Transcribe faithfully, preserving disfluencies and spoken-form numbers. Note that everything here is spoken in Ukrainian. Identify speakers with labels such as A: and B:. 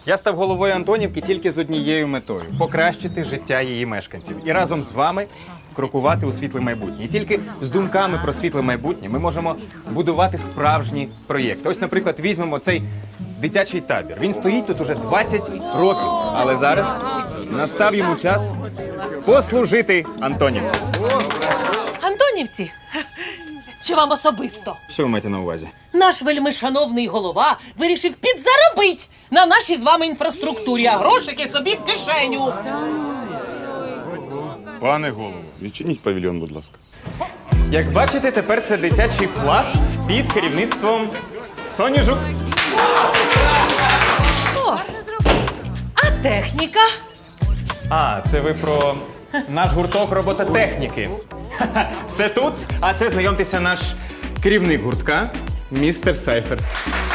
A: Я став головою Антонівки тільки з однією метою – покращити життя її мешканців. І разом з вами крокувати у світле майбутнє. І тільки з думками про світле майбутнє ми можемо будувати справжні проєкти. Ось, наприклад, візьмемо цей дитячий табір. Він стоїть тут уже двадцять років, але зараз настав йому час послужити Антонівці.
B: Антонівці? Чи вам особисто?
A: Що ви маєте на увазі?
B: Наш вельмишановний голова вирішив підзаробить на нашій з вами інфраструктурі, а грошики собі в кишеню.
C: Пане голово, відчиніть павільйон, будь ласка.
A: Як бачите, тепер це дитячий пласт під керівництвом Соні Жук.
B: О, а техніка?
A: А, це ви про наш гурток робототехніки. Ха-ха, все тут, а це, знайомтеся, наш керівник гуртка, містер Сайфер.